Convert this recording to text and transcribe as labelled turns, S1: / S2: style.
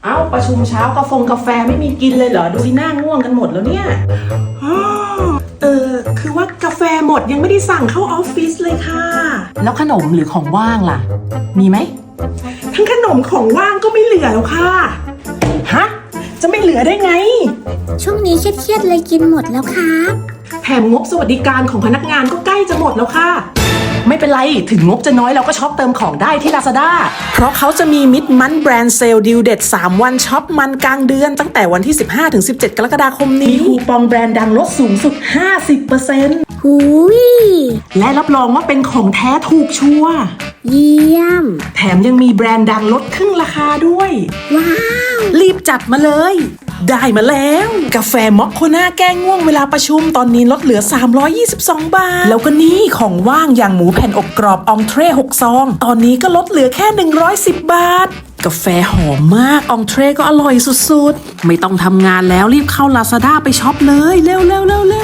S1: เอ้าประชุมเช้ากาแฟไม่มีกินเลยเหรอดูสิหน้าง่วงกันหมดแล้วเนี่ยคือว่ากาแฟหมดยังไม่ได้สั่งเข้าออฟฟิศเลยค่ะแล้วขนมหรือของว่างล่ะมีไหมทั้งขนมของว่างก็ไม่เหลือแล้วค่ะฮะจะไม่เหลือได้ไง
S2: ช่วงนี้เครียดๆเลยกินหมดแล้วครับ
S1: แถมงบสวัสดิการของพนักงานก็ใกล้จะหมดแล้วค่ะไม่เป็นไรถึงงบจะน้อยเราก็ช็อปเติมของได้ที่ Lazada เพราะเขาจะมีมิดมันแบรนด์เซลดิวเด็ด3วันช็อปมันกลางเดือนตั้งแต่วันที่ 15-17 กรกฎาคมนี้มีคูปองแบรนด์ดังลดสูงสุด 50%
S2: หูย
S1: และรับรองว่าเป็นของแท้ถูกชัวร์
S2: เยี่ยม
S1: แถมยังมีแบรนด์ดังลดครึ่งราคาด้วย
S2: ว้าว
S1: รีบจัดมาเลยได้มาแล้วกาแฟมอคโคน่าแก้ง่วงเวลาประชุมตอนนี้ลดเหลือ322 บาทแล้วก็นี่ของว่างอย่างหมูแผ่นอบกรอบองเทร6 ซองตอนนี้ก็ลดเหลือแค่110 บาทกาแฟหอมมากองเทรก็อร่อยสุดๆไม่ต้องทำงานแล้วรีบเข้า Lazada ไปช็อปเลยเร็ว